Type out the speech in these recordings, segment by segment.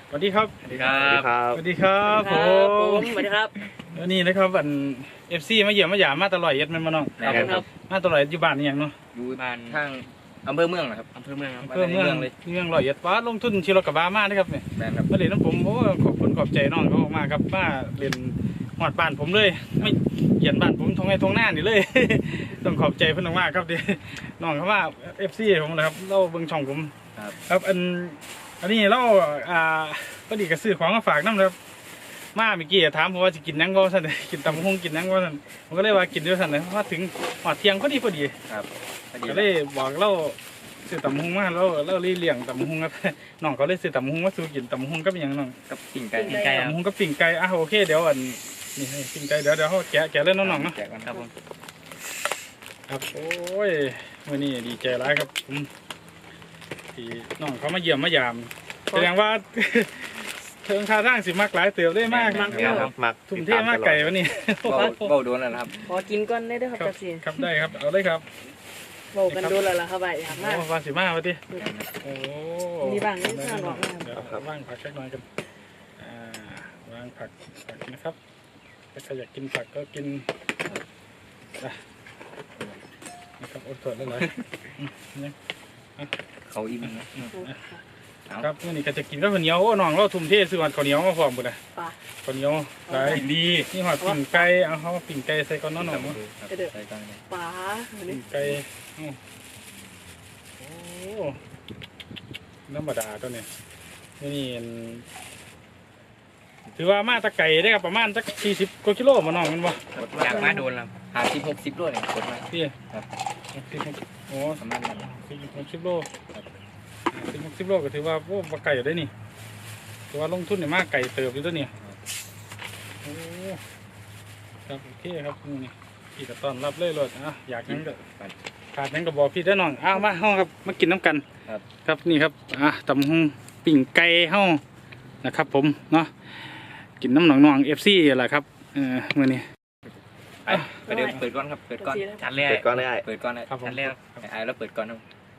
สวัสดีครับสวัสดีครับสวัสดีครับผมสวัสดีครับวันนี้นะครับวันFCมาเยี่ยมมาหยามมาตลอดเย็ดมันมาน้องครับมาตลอดอยู่บ้านนี่อย่างเนาะอยู่บ้านทางอำเภอเมืองนะครับอำเภอเมืองครับเพื่อเมืองร้อยเอ็ดว่าลงทุนชีรถกระบะมานะครับเนี่ยแม่นครับมาเรียนน้ำผมโอ้ขอบคุณขอบใจน้องเขามากครับมาเรียนหอดบ้านผมเลยไม่เหยียนบ้านผมทงไงทงหน้านี่เลย ต้องขอบใจเพื่อนมากๆครับเดี๋ยวน้องเขาว่า FC ผมนะครับเล่าเบิ่งช่องผม ครับอันนี้เราพอดีก็ซื้อของมาฝากน้ำนะครับมาเมื่อกี้ถามผมว่าจะกินนังบ่สั่นกินตำบักหุ่งกินนังบ่สั่นผมก็เลยว่ากินด้วยสั่นเลยว่าถึงหอดเที่ยงพอดีครับพอดีก็เลยบอกเราซื้อตำบักหุ่งมาเราเลี้ยงตำบักหุ่งครับ น้องเขาเลยซื้อตำบักหุ่งมาสู่กินตำบักหุ่งก็เป็นอย่างน้องกับปิ่งไก่ตำบักหุ่งก็ปิ่งไก่โอเคเดี๋ยวนี่ให้ปิ่งไก่เดี๋ยวเขาแกะเล่นน้องๆเนาะแจกกันครับผมครับโอ้ยวันนี้ดีใจร้ายครับผมที่น้องเขามาเยี่ยมมายามแสดงว่า เทิงท่าทางสิมักหลายเติบได้มากมักทุ่มเทมากไก่วันนี้เบ้าโดนแล้วนะครับขอกินก้อนได้ด้วยครับครับตาเสียครับได้ครับเอาเลยครับโบกันดูแล้วล่ะครับไปอยากมากโอ้วาสิมาวันที่โอ้มีบ้างนิดหน่อยหรอกเดี๋ยวว่างผักสักหน่อยกันว่างผักนะครับถ้าใครอยากกินผักก็กินนะครับอดทนแล้วเลยเขาอิ่มนะครับวันนี้ก็จะกินข้าวเหนียวน้องเราทุ่มเทซื้อข้าวเหนียวมาพร้อมบุญนะปลาข้าวเหนียวหลายดีนี่หอดปิ่งไก่เอาเขาปิ่งไก่ใส่ก้อนน้องๆใส่กันเลยปลาปิ่งไก่โอ้น้ำบาดาตัวนี้นี่ถือว่ามาตะไก่ได้ครับประมาณสัก40 กว่ากิโลมาน้องมันบ่อยากมาโดนแล้ว50-60โลเนี่ยกดมาพี่ครับโอ้ประมาณนั้น 40-60 โล40-60 โลก็ถือว่าโอ้ปลาไก่ได้นี่ถือว่าลงทุนเนี่ยมากไก่เติบอยู่ตัวนี้โอ้ครับโอเคครับนี่พี่ก็ต้อนรับเลยเลยอยากนั่งก็ขาดนั่งก็บอกพี่ได้น้องมาห้องครับมากินน้ำกันครับนี่ครับตำหุ่งปิ่งไก่ห้องนะครับผมเนาะกินน้ำหนองFC แหละครับมื่อนี้ไปเดี๋ยวเปิดก้อนครับเปิดก้อนจานแรกเปิดก่อนได้เปิดก้อนนะครับผมจานแรกแล้วเปิดก้อนครับ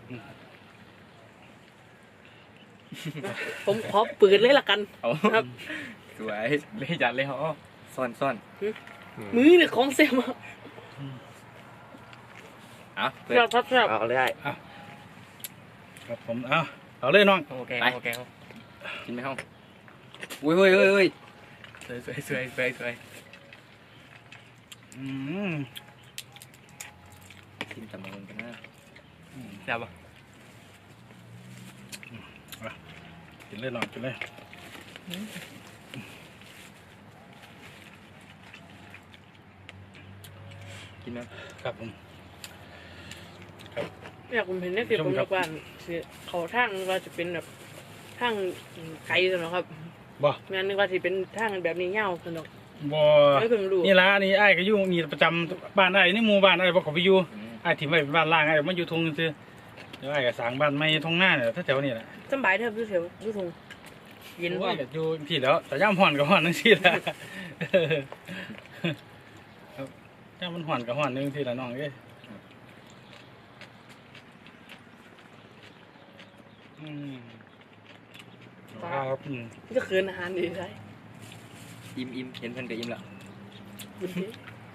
ผมขอปืนเลยละกันเอาครับสวยเลยจานเลยเขาซ่อนมือเนี่ยของเซมเปิดครับเอาได้ครับผมเอาเลยน้องโอเคกินไหมห้องอุ้ยสวยกินตำมันกันนะแซ่บปะกินเลยน้องกินเลยกินไหมครับผมอยากผมเห็นในเสียผมบอกว่าเขาทางว่าจะเป็นแบบทางไกลสนครับบ่งานนึกว่าจะเป็นทางแบบนี้เงาสนอกบ่ไม่เพิ่งรู้นี่ละนี่ไอ้ก็อยู่นี่ประจำบ้านไอ้นี่หมู่บ้านไอ้บ่เขาไปอยู่ไอ้ถิ่มไว้เป็นบ้านล่างไอ้มาอยู่ทงซื่อเดี๋ยวไอ้ก็สร้างบ้านใหม่ทงหน้าเนี่ยแถวนี้แหละสบายเถอะพี่เสียวพี่ทงเย็นโอ้ว่ายก็อยู่พี่แล้วแต่ย่ำห่อนก็ห่อนนึงสิละครับย่ำมันห่อนก็ห่อนนึงสิละน้องเอ้ยครับจะคืนอาหารดีใช่อิ่มเห็นเพิ่นก็อิ่มแล้วบุญดี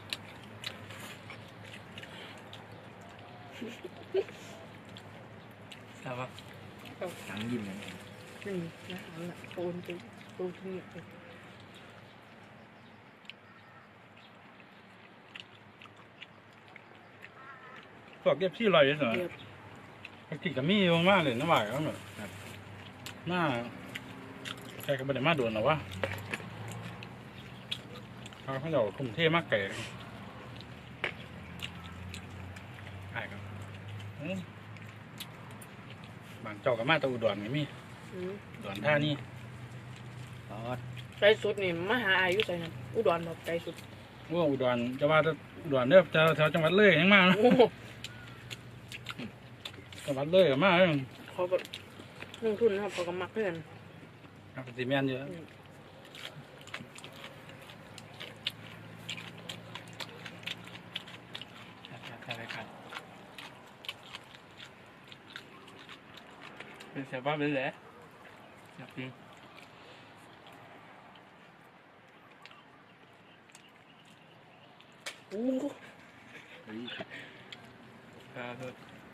แซ่บปะสังยิ้มเลยนี่อาหารละโอนไปโอนที่นี่พวกเก็บที่ลอยเหรอกินกับมีอยู่มากเลยน้ำหวานเขาหน่อยหน้าใครก็ไม่ได้มาโดนหรอวะเขาเดี๋ยวคุมเท่มากไก่ไอ้ครับบางเจ้ากับมาตะอุดรไงมีอุดรท่านี่ใจสุดนี่มหาอายุใจนั้นอุดรแบบใจสุดว่าอุดรจะว่าอุดรเนี่ยแถวจังหวัดเลยยังมานะโอ้จังหวัดเลยกับมาเขาก็ลงทุนนะครับเขาก็มักเพื่อนครับสีแมนเยอะเป็นเสียบ้าเลยแหละจริงโอ้เฮ้ยครับ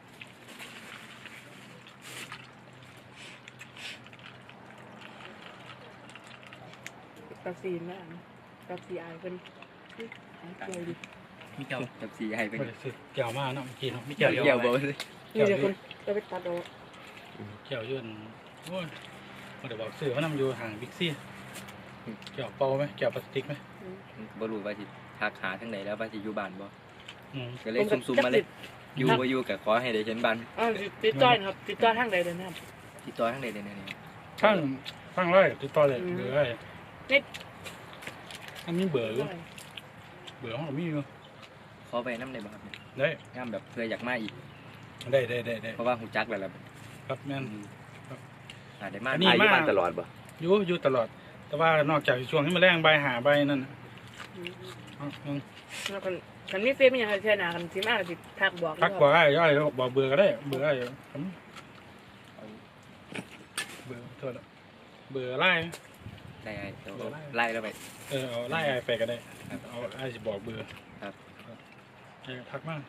กับซีนแล้วกับซีไอเป็นอะไรดิมีเจ้ากับสีให้เป็นบ่ได้ซื้อแก้วมาเนาะเมื่อกี้เนาะมีเกี่แก้ยว วอยู่เกี่ยวบ่เลยนี่เดี๋ยวคนจะไปตัดเอาแก้วยื่นโอ้ยบ่ได้บอกซื้อมานำอยู่ห่างบิ๊กซี่แก้วเปล่าไหมแก้วพลาสติกไหมบ่รู้ว่าสิทักหาทางไหนแล้วว่าสิอยู่บ้านบ่อืมก็เลยซุ่มๆมาเลยอยู่บ่อยู่ก็ขอให้ได้เห็นบ้านอ๋อติดต่อนะครับติดต่อทางใดเลยนะครับติดต่อทางใดได้แน่ข้างไร่ติดต่อเลยอืมเบอร์ไอ้นี่อันนี้เบอร์อยู่เบอร์ของเรามีอยู่ขอไปนำได้บ่ครับได้งามแบบเพื่ออยากมาอีกได้เพราะว่าฮู้จักแล้วล่ะครับแม่นได้มาอันนี้อายุบ้านตลอดบ่อยู่ตลอด แต่ว่านอกจากช่วงที่มาแรงใบหาใบนั่นน่ะอืมแล้วคันมีเฟซมีอย่างไรแค่หนาคันสิมาก็สิทักบอกทักบอกได้ย่อยบอกเบอร์ก็ได้เบอร์ได้ผมเบอร์โทษนะเบอร์ไล่ได้เดี๋ยวไล่แล้วไปเอาไล่ไอ้ไปก็ได้ครับเอาไอ้จะบอกเบอร์ครับทักมาก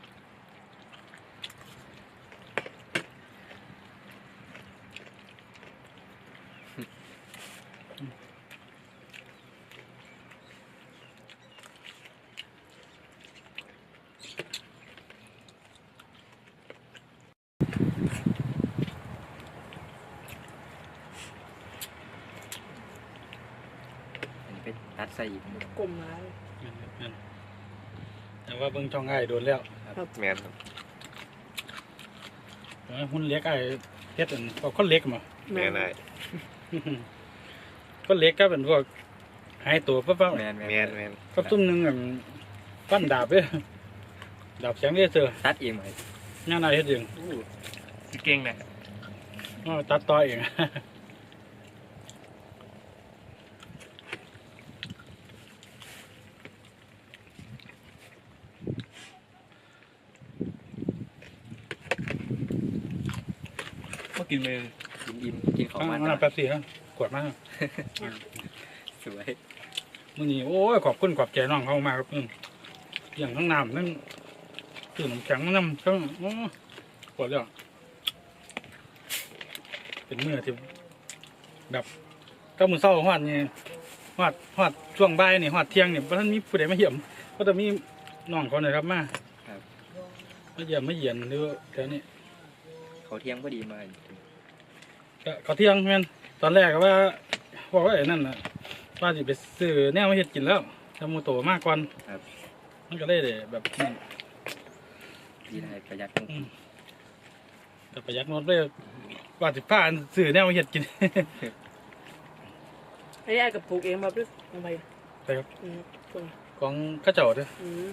อันนี้ไปตัดใส่อีกกลมมาเลยแต่ว่าเบิ่งช่องไอ้โดนแล้วแม่นครับหุ้นเล็กไอ้เฮ็ดอันพวกคนเล็กมาแม่นได้คนเล็กก็เป็นพวกหายตัวปั๊บแม่นแม่นแม่นก็ซุ่มหนึงอันปั้นดาบเด้อดาบแสงเลเซอร์ตัดเองไหมงานอะไรเฮ็ดเองสิเก่งนะตัดต่อเองก็กินเลยกินอิ่มกินของข้างมันน้ำแป๊บซี่ครับขวดมากสวยมื้อนี้โอ้ยขอบคุณขอบใจน้องเขามากครับอย่างทั้งน้ำทั้งตื่นน้ำแข็งน้ำทั้งโอ้ขวดแล้วเป็นมื้อที่แบบก็มื้อเช้าฮอดนี่ฮอดช่วงบ่ายนี่ฮอดเที่ยงนี่บ่ทันมีผู้ใดมาเยี่ยมก็จะมีน้องเขาเนี่ยครับมาเยี่ยมมาเยียนหรือแถวนี้เขาเที่ยงพอดีมาก็เขาเที่ยงแม่นตอนแรกก็ว่าบอกว่าไอ้นั่นน่ะว่าสิไปซื้อแนวมาเฮ็ดกินแล้วทำมูโตมากกว่ามันก็เลยได้แบบนั้นดีได้ประหยัดแต่ประหยัดงดเลยว่าสิพาซื้อแนวมาเฮ็ดกินไอ้ไอ้กับปลูกเองมาปึ๊บลงไปไปครับคนของข้าเจ้าเด้อ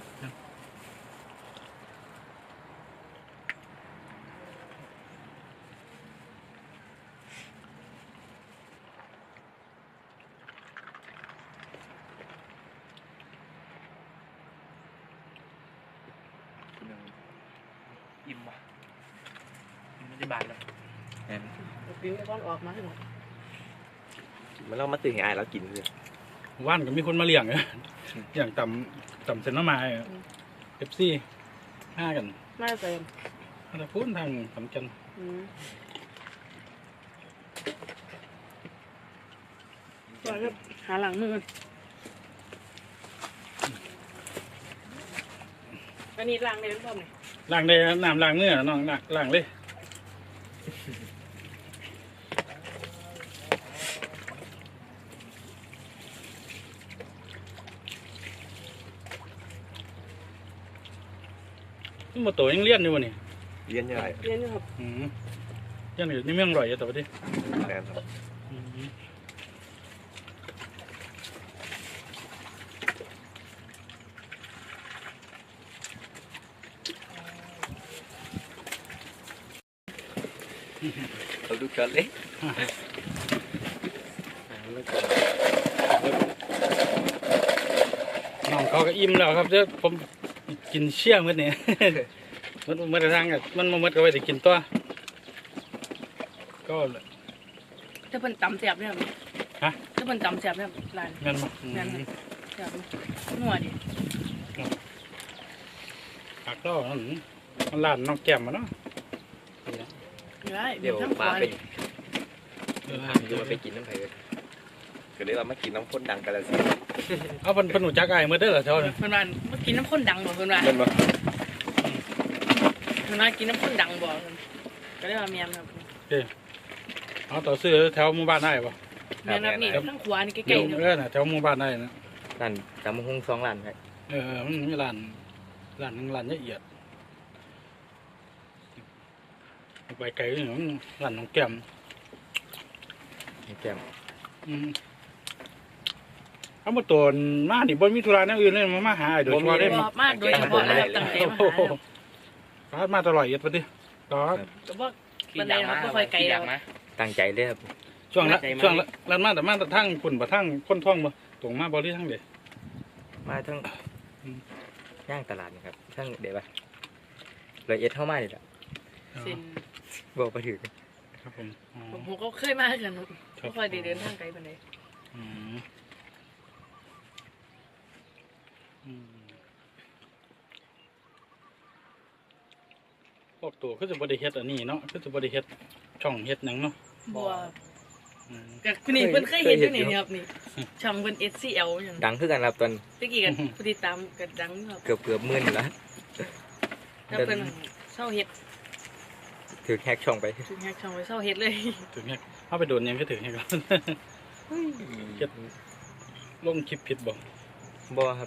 อิ่มว่ะไม่ได้บานแล้วปีนี้ก้อนออกมาให้หมดมันเรามาตื่นให้อายแล้วกินเลยว่านก็มีคนมาเลี้ยง อย่างต่ำเซนต์มาเอฟซีห้ากันน่าจะใส่มาแต่พูดทางสำคัญก่อนครับหาหลังมืออันนี้ล้างได้หรือเปล่าเนี่ยล้างได้น้ำล้างเนื้อน้องล้างเลยนี่มาโตยังเลี้ยนอยู่วะนี่เลี้ยนยังไงเรียนอยู่ครับยังอยู่นี่เมืองอร่อยอยู่แต่ว่าดิแม่นครับเราดูกันเลยน้องเขาก็อิ่มแล้วครับเดี๋ยวผมกินเชี่ยมื้อนี้ มันทางกับมันมาก็ไว้แต่กินตัวก็ถ้าเป็นตำแสบเนี่ยฮะถ้าเป็นตำแสบเนี่ยลายแม่นบ่แม่น แสบนัวดิผักเรามันร้านน้องแก้มมาเนาะได้เดี๋ยวทั้งปลาควายเป็นจะมาไปกินน้ำไผ่เลยก็เลยเรามากินน้ำข้นดังกันแล้วสิเอาเป็นหนูจักไอ้เมื่อเด้อเหรอเจ้าเนี่ยเพิ่นว่าเมื่อกินน้ำข้นดังบ่เพิ่นว่าเป็นปะเพิ่นว่ากินน้ำข้นดังบ่ก็ได้ว่าแม่นครับเอาต่อซื้อแถวหมู่บ้านได้ปะแม่นครับนี่ทั้งควายนี่ใกเดี๋ล้ยวๆเนี่ยน่ะแถวหมู่บ้านได้นะร้านจำหุ้ง2 ร้านครับมันมีร้านหนึงร้านละเอียดไปไกลอยู่ร้านน้องแก้มแก้มเอามาตัวมาดิบ่มีธุระแนวอื่นเลยมาหาไอ้โดยเฉพาะได้บ่มากโดยเฉพาะเลยตั้งใจมาหาครับฟาดมาตลอดเอียดปะดิต่อก็บ่ปานใดครับบ่ค่อยไกลแล้วตั้งใจเลยครับช่วงละร้านมาแต่มาแต่ทั้งคุณบ่ทั้งคนท่องบ่ตรงมาบ่หรือทั้งเด้มาทั้งย่างตลาดนี่ครับทั้งเดี๋ยวไป101เข้ามานี่แหละเส้นบอกไปถึงครับผมอ๋อผมก็เคยมาคือกันครับบ่ค่อยได้เดินทางไกลปานใดอืมพวกตัวก็จะบริเฮ็ดอันนี้เนาะก็จะบริเฮ็ดช่องเฮ็ดหนังเนาะบ่อืมก็คือนี่เพิ่นเคยเห็นอยู่นี่ครับนี่ช่องเพิ่น SCL หยังดังขึ้นกันครับตอนตะกี้กันผู้ติดตามก็ดังครับเกือบหมื่นอยู่แล้วแล้วเพิ่นเศร้าเฮ็ดถือแฮกช่องไปถึงแฮกช่องไปเศร้าเฮ็ดเลยถึงเฮ็ดเอาไปโดนยังก็ถึงเฮ็ดก่อนเฮ็ดลงคลิปผิดบ่บ่ครับ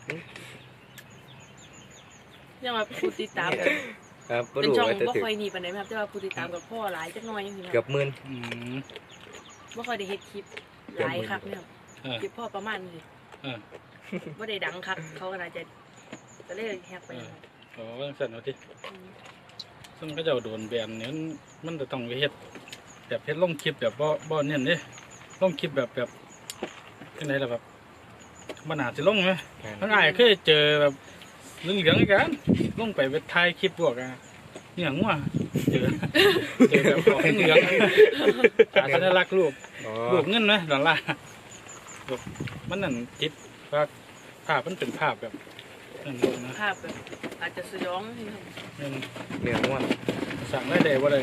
ยังว่าผู้ติดตามกันครับบ่เป็นรู้ช่องว่าจะบ่ถือค่อยหนีปานใดครับแต่ว่าผู้ติดตามกับพ่อหลายจักหน่อยจังซี่คเกืรัอบบ หมื่นอืมบ่ค่อยได้เฮ็ดคลิปหลายครับเนี่ยครับเออคลิปพ่อประมาณนี้เออบ่ได้ดังครับเขาก็น่าจะเลยแฮกไปครับอ๋อจังซั่นว่าติซึ่งก็เจ้าโดนแบนเนี่ยมันจะต้องไปเฮ็ดแบบเฮ็ดลงคลิปแบบบ่เน้นเด้ลงคลิปแบบจังไดล่ะแบบมันน่าสิลงไหม ทั้งอ้ายเคยเจอแบบเหลืองๆกันลงไปถ่ายคลิปพวกอะเนี่ยงัวเจอแบบของเหลืองๆสัญลักษณ์รูปอ๋อรูปเงินไหมดอลลาร์รูปมันนั่นติดภาพมันเป็นภาพแบบนั่นนะภาพแบบอาจจะสยองนี่ครับมันเนื้อง่วงสั่งได้เลยว่าเลย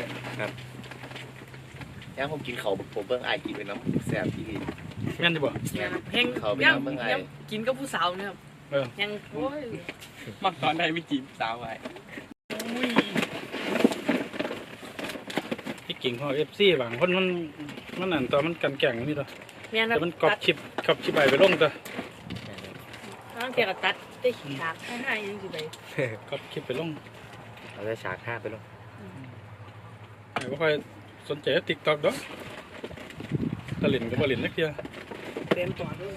ย่างผมกินเขาผมเบิ่งไอ้กินเป็นน้ำแซ่บที่ดีงั้นจะบอกเนี่ยครับแฮงเขาไปยังทำเบิ่งไงยังกินกับผู้สาวเนี่ยครับเออยังโอ้ยมักตอนได้วิจีบสาวไว้ที่กิ่งของFC บางคนมันนั่นตัวมันกันแก่งนี่ตัวแม่นครัแต่บมันกรอบชิปไปลงตัวตั้งแต่ก็ตัดได้ฉากให้ยังสิไปกรอบคลิปไปลงเราจะฉาก5ไปลงไม่ค่อยสนใจติ๊กต็อกดอกตะลินก็บ่ลินนักเดียวเต็มตัวด้วย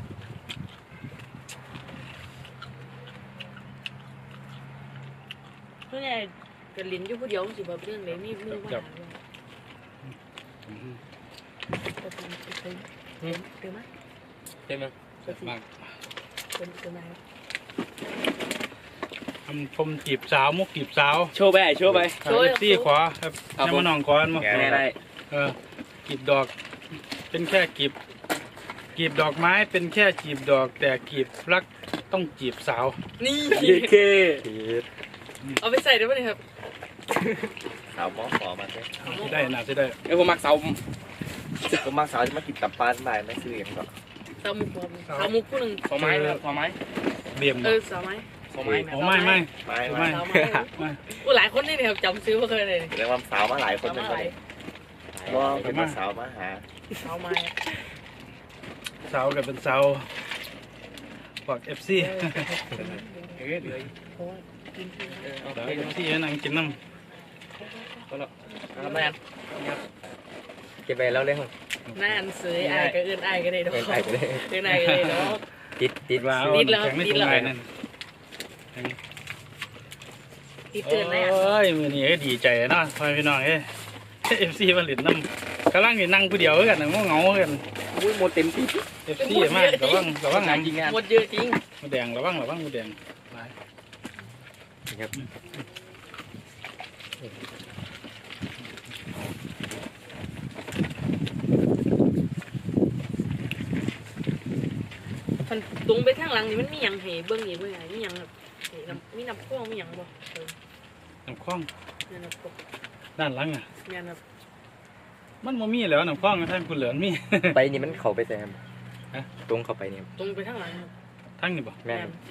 เพื่อนก็ลิ้นอยู่ผู้เดียวสิบ่เรื่องไหนมีมือว่าจะทำเต็มไหมเต็มมั้ยมากเต็มไหมทำชมจีบสาวมุกจีบสาวโชว์ไปโชว์ไปซี่ขวาครับยังมาหนองก่อนมาแน่ได้กีบดอกเป็นแค่กีบดอกไม้เป็นแค่จีบดอกแต่กีบรักต้องจีบสาวนี่เคเอาไปใส่ได้ไหมครับสาวหมอขอมาใช่ที่ได้น่าจะได้เดี๋ยวผมมักเสาผมมาสาวจะมากินตับปลาบ่ายไม่ซื้ออย่างหรอกสามุกสามุกผู้หนึ่งขอไม้เลยขอไม้เบี่ยมสาวไม้ขอไม้โอ้ไม่ไม่สาวไม่ไม้หลายคนนี่เนี่ยครับจำซื้อมาเคยเลยเรียกว่าสาวมาหลายคนสาวเป็นไม้คนว่าเป็นสาวมาหาสาวไม้สาวกับเป็นสาวบอกFC เดี๋ยวสาว FC ให้นั่งกินน้แม่เก็บไปแล้วเลยครับน่าอันเสยอายก็เอื้อนอายก็ได้ดอกเป็นไอ้ไปเลยเอื้อนอายก็ได้ดอกติดำว่าติดแล้วแข็งในติถุดงแล้วไงนั่นที่เตือนนะโอ้ยมื้อนี้ก็ดีใจเนาะพ่อพี่น้องเอ้ย FC มาเล่นน้ำกำลังสินั่งผู้เดียวกันน่ะเหงาๆกันอุ้ยหมดเต็มที่ FC มากระวังงานจริงงานหมดเยอะจริงหมูแดงระวังหมูแดงหลายครับมันตรงไปทางหลังนี่มันมีหยังให้เบิ่งอีกเบิ่งอะไรนี่หยังครับมีน้ำข้วมีหยังบ่เออน้ำคล้องเนี่ยน้ำข้วด้านหลังอ่ะเนี่ยน้มันบ่มีแล้วน้ำคล้องท่านคุณเหลือนมีไปนี่มันเข้าไปใส่ครับฮะตรงเข้าไปนี่ำตรงไปทางหลังครับทั้งนี่บ่แม่น